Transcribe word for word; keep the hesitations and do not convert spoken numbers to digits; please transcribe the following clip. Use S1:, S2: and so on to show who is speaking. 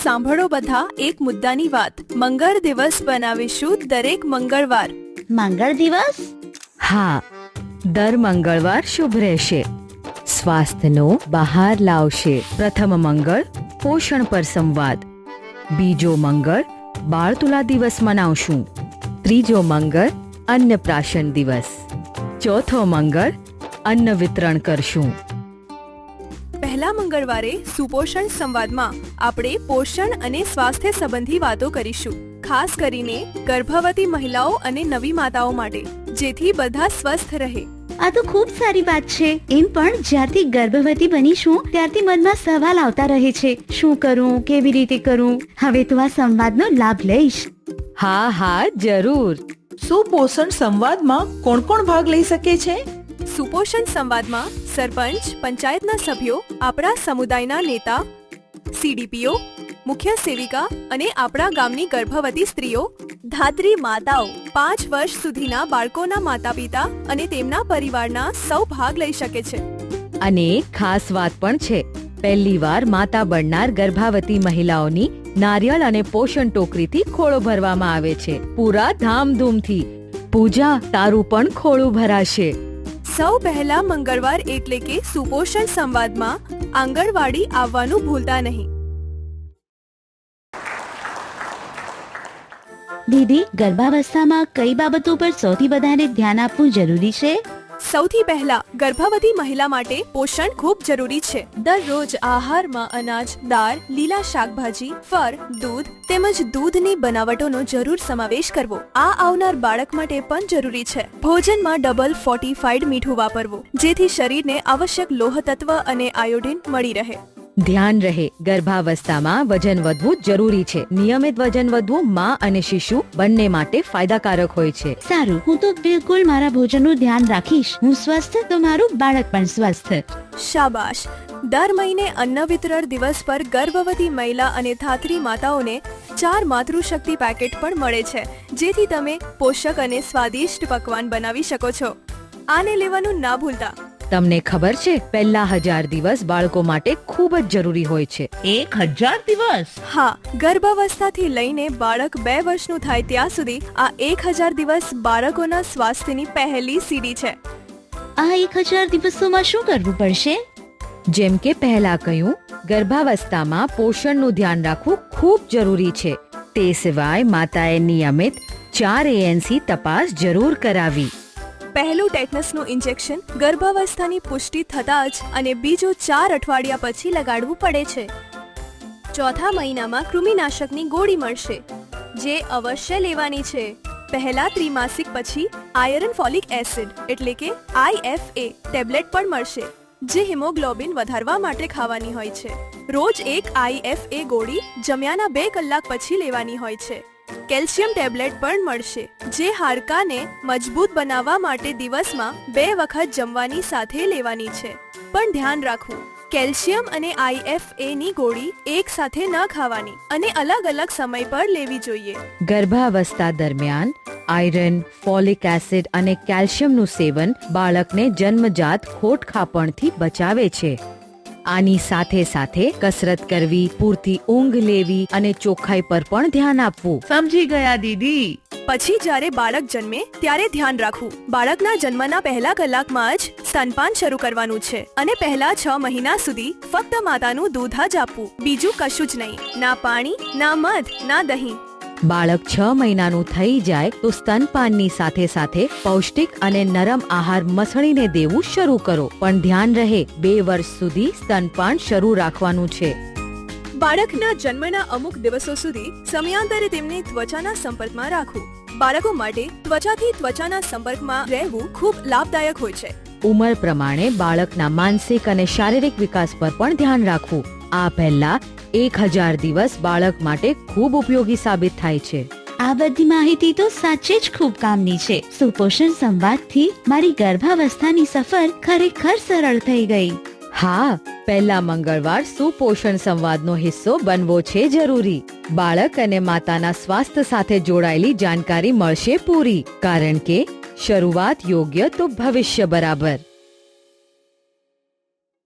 S1: સાંભળો બધા એક મુદ્દાની વાત. મંગળ દિવસ બનાવીશું દરેક મંગળવાર.
S2: મંગળ દિવસ?
S3: હા, દર મંગળવાર શુભ રહેશે, સ્વાસ્થ્યનો બહાર લાવશે. પ્રથમ મંગળ પોષણ પર સંવાદ, બીજો મંગળ બાળતુલા દિવસ મનાવશું, ત્રીજો મંગળ અન્નપ્રાશન દિવસ, ચોથો મંગળ અન્ન વિતરણ કરશું.
S1: પહેલા મંગળવારે સુપોષણ સંવાદમાં આપણે પોષણ અને સ્વાસ્થ્ય સંબંધી વાતો કરીશું, ખાસ કરીને ગર્ભવતી મહિલાઓ અને નવી માતાઓ માટે, જેથી બધા સ્વસ્થ રહે.
S2: આ તો ખૂબ સારી વાત છે. એમ પણ જ્યારથી ગર્ભવતી બનીશું ત્યારથી મનમાં સવાલ આવતા રહે છે, શું કરું, કેવી રીતે કરું. હવે તો આ સંવાદનો લાભ લઈશ.
S3: હા હા જરૂર.
S4: સુપોષણ સંવાદમાં કોણ કોણ ભાગ લઈ શકે છે?
S1: સુપોષણ સંવાદમાં સરપંચ, પંચાયતના સભ્યો, આપણા સમુદાયના નેતા, સીડીપીઓ, મુખ્ય સેવિકા અને આપણા ગામની ગર્ભવતી સ્ત્રીઓ, ધાત્રી માતાઓ, પાંચ વર્ષ સુધીના બાળકોના માતા પિતા અને તેમના પરિવારના સૌ ભાગ લઈ શકે છે.
S3: અને ખાસ વાત પણ છે, પહેલી વાર માતા બનનાર ગર્ભાવતી મહિલાઓની નારિયેળ અને પોષણ ટોકરીથી ખોળો ભરવામાં આવે છે, પૂરા ધામધૂમથી. પૂજા, તારું પણ ખોળું ભરાશે.
S1: સૌ પહેલા મંગળવાર એટલે કે સુપોષણ સંવાદમાં આંગણવાડી આવવાનું ભૂલતા નહીં.
S2: દીદી, ગર્ભાવસ્થામાં કઈ બાબતો પર સૌથી વધારે ધ્યાન આપવું જરૂરી છે?
S1: સૌથી પહેલા ગર્ભવતી મહિલા માટે પોષણ ખૂબ જરૂરી છે. દરરોજ આહારમાં અનાજ, દાળ, લીલા શાકભાજી, ફળ, દૂધ તેમજ દૂધની બનાવટોનો જરૂર સમાવેશ કરવો. આ આવનાર બાળક માટે પણ જરૂરી છે. ભોજનમાં ડબલ ફોર્ટિફાઈડ મીઠું વાપરવું, જેથી શરીરને આવશ્યક લોહ તત્વ અને આયોડિન મળી રહે.
S3: ધ્યાન રહે, ગર્ભાવસ્થામાં વજન વધવું જરૂરી છે. નિયમિત વજન વધવું માં અને શિશુ બંને માટે ફાયદાકારક હોય છે.
S2: સારું, હું તો બિલકુલ મારા ભોજનનું ધ્યાન રાખીશ. હું સ્વસ્થ તો મારું બાળક પણ સ્વસ્થ.
S1: શાબાશ. દર મહિને અન્ન વિતરણ દિવસ પર ગર્ભવતી મહિલા અને ધાત્રી માતાઓને ચાર માતૃશક્તિ પેકેટ પણ મળે છે, જેથી તમે પોષક અને સ્વાદિષ્ટ પકવાન બનાવી શકો છો. આને લેવાનું ના ભૂલતા.
S3: તમને ખબર છે, પહેલા હજાર દિવસ બાળકો માટે ખૂબ જ જરૂરી હોય છે.
S4: એક હજાર દિવસ?
S1: હા, ગર્ભાવસ્થાથી લઈને બાળક બે વર્ષનું થાય ત્યાં સુધી આ એક હજાર દિવસ બાળકોના સ્વાસ્થ્યની પહેલી સીડી છે.
S2: આ એક હજાર દિવસોમાં શું કરવું પડશે?
S3: જેમ કે પહેલા કહ્યું, ગર્ભાવસ્થામાં પોષણનું ધ્યાન રાખવું ખૂબ જરૂરી છે. તે સિવાય માતાએ નિયમિત ચાર એએનસી તપાસ જરૂર કરાવી.
S1: પહેલું ટેટનસનું ઇન્જેક્શન ગર્ભાવસ્થાની પુષ્ટિ થતાં જ અને બીજું ચાર અઠવાડિયા પછી લગાડવું પડે છે. ચોથા મહિનામાં કૃમિનાશકની ગોળી મળશે, જે અવશ્ય લેવાની છે. પહેલા ત્રિમાસિક પછી આયરન ફોલિક એસિડ એટલે કે આઈએફએ ટેબ્લેટ પણ મળશે, જે હિમોગ્લોબિન વધારવા માટે ખાવાની હોય છે. રોજ એક આઈએફએ ગોળી જમ્યાના બે કલાક પછી લેવાની હોય છે. કેલ્શિયમ ટેબ્લેટ પણ મળશે, જે હાડકાને મજબૂત બનાવવા માટે દિવસમાં બે વખત જમવાની સાથે લેવાની છે. પણ ધ્યાન રાખવું, કેલ્શિયમ અને આઈએફએ ની ગોળી એક સાથે ન ખાવાની અને અલગ અલગ સમય પર લેવી જોઈએ.
S3: ગર્ભાવસ્થા દરમિયાન આયરન, ફોલિક એસિડ અને કેલ્શિયમનું સેવન બાળકને જન્મજાત ખોટખાપણથી બચાવે છે. આની સાથે સાથે કસરત કરવી, પૂરતી ઊંઘ લેવી અને ચોખ્ખાઈ પર પણ ધ્યાન આપવું.
S4: સમજી ગયા દીદી.
S1: પછી જ્યારે બાળક જન્મે ત્યારે ધ્યાન રાખવું, બાળકના જન્મના પહેલા કલાકમાં જ સ્તનપાન શરૂ કરવાનું છે અને પહેલા છ મહિના સુધી ફક્ત માતાનું દૂધ જ આપવું, બીજું કશું જ નહીં. ના પાણી, ના મધ, ના દહીં.
S3: બાળક છ મહિનાનું થઈ જાય તો સ્તનપાનની સાથે સાથે પૌષ્ટિક અને નરમ આહાર મસળીને દેવું શરૂ કરો. પણ ધ્યાન રહે, બે વર્ષ સુધી સ્તનપાન શરૂ રાખવાનું છે.
S1: બાળકના જન્મના અમુક દિવસો સુધી સમયાંતરે તેમની ત્વચાના સંપર્કમાં રાખવું. બાળકો માટે ત્વચાથી ત્વચાના સંપર્કમાં રહેવું ખૂબ લાભદાયક હોય છે.
S3: ઉંમર પ્રમાણે બાળકના માનસિક અને શારીરિક વિકાસ પર પણ ધ્યાન રાખવું. આ પહેલા એક હજાર દિવસ બાળક માટે ખૂબ ઉપયોગી સાબિત થાય છે.
S2: આ બધી માહિતી તો સાચે જ ખૂબ કામની છે. સુપોષણ સંવાદથી મારી ગર્ભાવસ્થાની સફર ખરેખર સરળ થઈ ગઈ.
S3: હા, પહેલા મંગળવાર સુપોષણ સંવાદનો હિસ્સો બનવો છે જરૂરી. બાળક અને માતાના સ્વાસ્થ્ય સાથે જોડાયેલી જાણકારી મળશે પૂરી, કારણ કે શરૂઆત યોગ્ય તો ભવિષ્ય બરાબર.